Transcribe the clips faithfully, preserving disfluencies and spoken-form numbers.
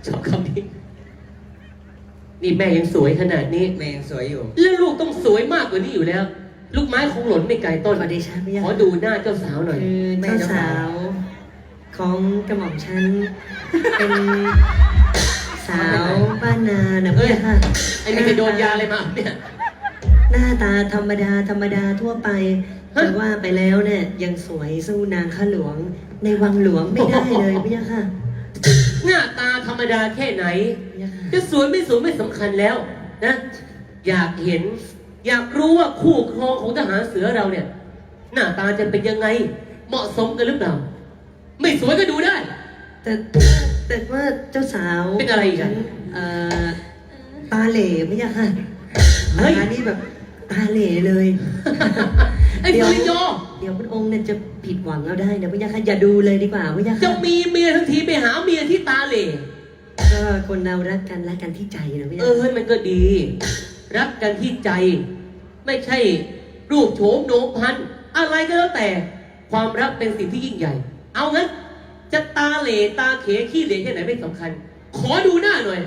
ชอบคำนี้นี่แม่ยังสวยขนาดนี้แม่ยังสวยอยู่แล้วลูกต้องสวยมากกว่านี้อยู่แล้ว ลูกไม้คงหล่นไม่ไกลต้นขอเดชะพระยาขอดูหน้าเจ้าสาวหน่อยคือเจ้าสาวของกระหม่อมฉันเป็นสาวบ้านนานะพระยาค่ะไอ้นี่ไปโดนยาอะไรมาเนี่ยหน้าตาธรรมดาธรรมดาทั่วไปฮะแต่ว่าไปแล้วเนี่ยยังสวยสู้นางข้าหลวงในวังหลวงไม่ได้เลยพระยาค่ะหน้าตาธรรมดาแค่ไหนพระยาค่ะจะสวยไม่สวยไม่สำคัญแล้วนะ อยากเห็น อยากรู้ว่าคู่ครองของทหารเสือเราเนี่ย หน้าตาจะเป็นยังไง เหมาะสมกันหรือเปล่า ไม่สวยก็ดูได้แต่แต่ว่าเจ้าสาวเป็นอะไรอีกอะเอ่อตาเหล่พระยาค่ะเฮ้ยตานี่แบบตาเหล่เลยไอ้สุริโยเดี๋ยวพระองค์เนี่ยจะผิดหวังเอาได้นะพระยาค่ะอย่าดูเลยดีกว่าพระยาจะค่ะมีเมียทั้งทีไปหาเมียที่ตาเหล่ก็คนเรารักกันรักกันที่ใจนะพระยาเออเฮ้ยมันก็ดี รักกันที่ใจ ไม่ใช่รูปโฉมโหนงพันอะไรก็แล้วแต่ ความรักเป็นสิ่งที่ยิ่งใหญ่ เอางั้น จะตาเหล่ตาเขขี้เหร่แค่ไหนไม่สำคัญ ขอดูหน้าหน่อย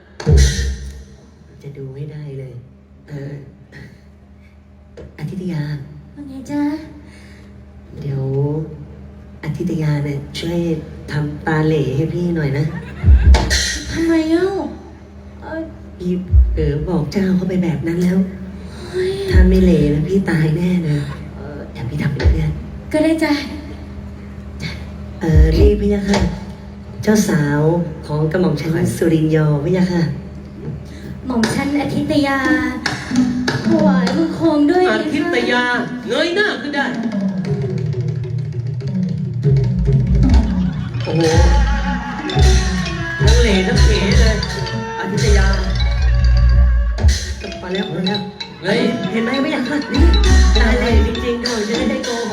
จะดูให้ได้เลย เอออาทิตยาว่าไงจ๊ะเดี๋ยวอาทิตยาเนี่ยช่วยทำตาเหล่ให้พี่หน่อยนะทำไมเอ้าเอ้ยพี่เออบอกเจ้าเข้าไปแบบนั้นแล้วเฮ้ยถ้าไม่เหล่แล้วพี่ตายแน่เลยเออเดี๋ยวพี่ทำเป็นเพื่อนก็ได้จ้ะเออนี่พี่ยะค่ะ เจ้าสาวของกระหม่อมฉันสุรินยอพี่ยะค่ะหม่อมฉันอาทิตยาถวายบังคมด้วยอานะคะทิตยาเงยหน้าขึ้นได้ โอ้โหทั้งเหล่ทั้งเขเลยอาทิตยาพอแล้วพอแล้วเฮ้ยเห็นไหมพี่ยะค่ะนี่ตาเหล่จริงๆก่อนจะได้ได้โกห